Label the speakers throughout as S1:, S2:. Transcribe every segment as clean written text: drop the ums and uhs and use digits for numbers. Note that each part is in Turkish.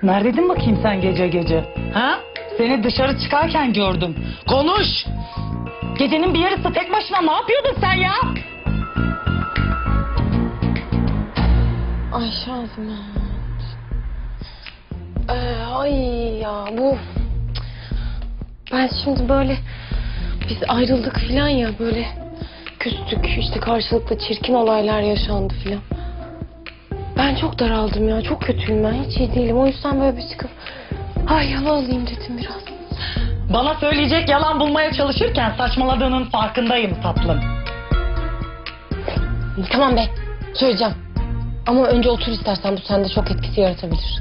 S1: Neredeydin bakayım sen gece gece? Ha? Seni dışarı çıkarken gördüm. Konuş! Gecenin bir yarısı tek başına ne yapıyordun sen ya?
S2: Ay Şazime. Ay ya bu... Ben şimdi böyle... Biz ayrıldık filan ya böyle... Küstük işte karşılıklı çirkin olaylar yaşandı filan. Ben çok daraldım ya. Çok kötüyüm ben. Hiç iyi değilim. O yüzden böyle bir çıkıp... Ay yalan alayım dedim biraz.
S1: Bana söyleyecek yalan bulmaya çalışırken saçmaladığının farkındayım tatlım.
S2: Tamam be. Söyleyeceğim. Ama önce otur istersen. Bu sende çok etkisi yaratabilir.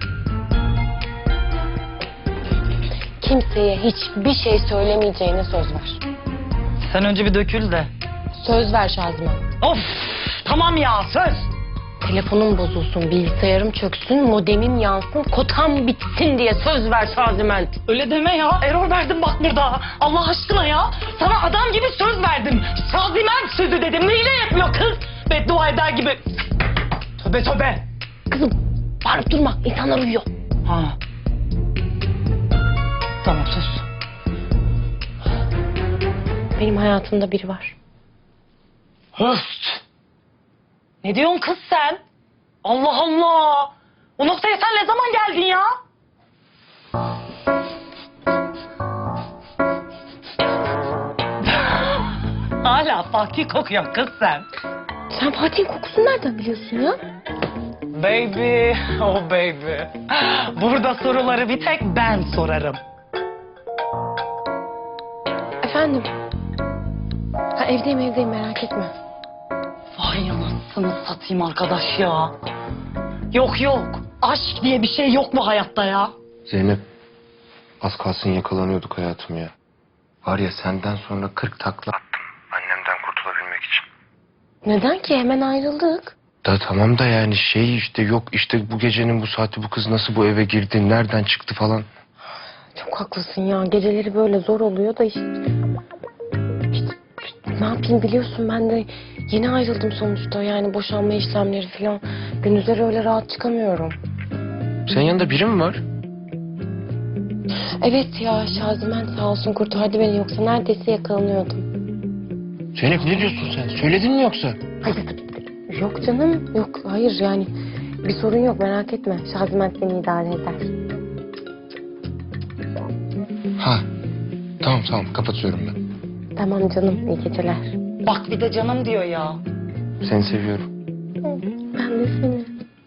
S2: Kimseye hiçbir şey söylemeyeceğine söz ver.
S1: Sen önce bir dökül de.
S2: Söz ver Şazime.
S1: Of! Tamam ya söz!
S2: Telefonum bozulsun, bilgisayarım çöksün, modemim yansın, kotam bitsin diye söz ver Şaziment.
S1: Öyle deme ya. Error verdim bak burada. Allah aşkına ya. Sana adam gibi söz verdim. Şaziment sözü dedim. Neyle yapmıyor kız? Beddua eder gibi. Tövbe tövbe.
S2: Kızım, bağırıp durma. İnsanlar uyuyor.
S1: Ha. Tamam sus.
S2: Benim hayatımda biri var.
S1: Höst. Ne diyorsun kız sen? Allah Allah. O noktaya sen ne zaman geldin ya? Hala Fatih kokuyor kız sen.
S2: Sen Fatih'in kokusunu nereden biliyorsun ya?
S1: Baby, oh baby. Burada soruları bir tek ben sorarım.
S2: Efendim? Ha, evdeyim merak etme.
S1: Vay anasını satayım arkadaş ya. Yok yok. Aşk diye bir şey yok mu hayatta ya?
S3: Zeynep, az kalsın yakalanıyorduk hayatım ya. Var ya senden sonra 40 takla attım annemden kurtulabilmek için.
S2: Neden ki? Hemen ayrıldık.
S3: Da tamam da yani şey işte yok işte bu gecenin bu saati bu kız nasıl bu eve girdi, nereden çıktı falan.
S2: Çok haklısın ya. Geceleri böyle zor oluyor da işte ne yapayım biliyorsun ben de yeni ayrıldım sonuçta. Yani boşanma işlemleri falan. Gündüzleri öyle rahat çıkamıyorum.
S3: Senin yanında biri mi var?
S2: Evet ya Şazimen sağ olsun kurtardı beni yoksa neredeyse yakalanıyordum.
S3: Zeynep ne diyorsun sen? Söyledin mi yoksa?
S2: Hayır yok canım yok hayır yani bir sorun yok merak etme. Şazimen seni idare eder.
S3: Ha tamam kapatıyorum ben.
S2: Tamam canım iyi geceler.
S1: Bak bir de canım diyor ya.
S3: Seni seviyorum.
S2: Ben de seni.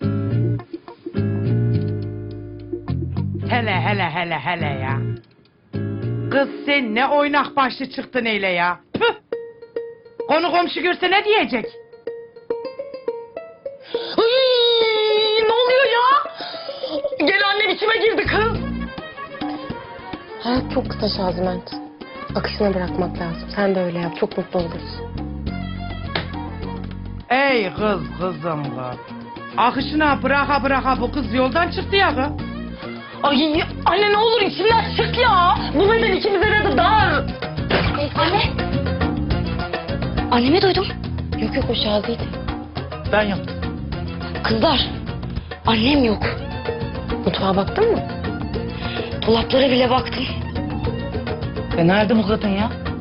S4: Hele ya. Kız sen ne oynak başlı çıktın öyle ya. Püh. Konu komşu görse ne diyecek?
S1: Ay, ne oluyor ya? Gel annem içime girdi kız.
S2: Hayat çok kısa Şazimen. Akışına bırakmak lazım. Sen de öyle yap. Çok mutlu olursun.
S4: Ey kızım kız. Akışına bıraka bu kız yoldan çıktı ya kız.
S1: Ay anne ne olur içimden çık ya. Bu beden ikimize de dar.
S2: Anne.
S5: Annemi duydum.
S2: Yok o Şazi'ydi.
S1: Ben yaptım.
S5: Kızlar, annem yok.
S2: Mutfağa baktın mı?
S5: Dolaplara bile baktım.
S1: Nerede bu kadın ya?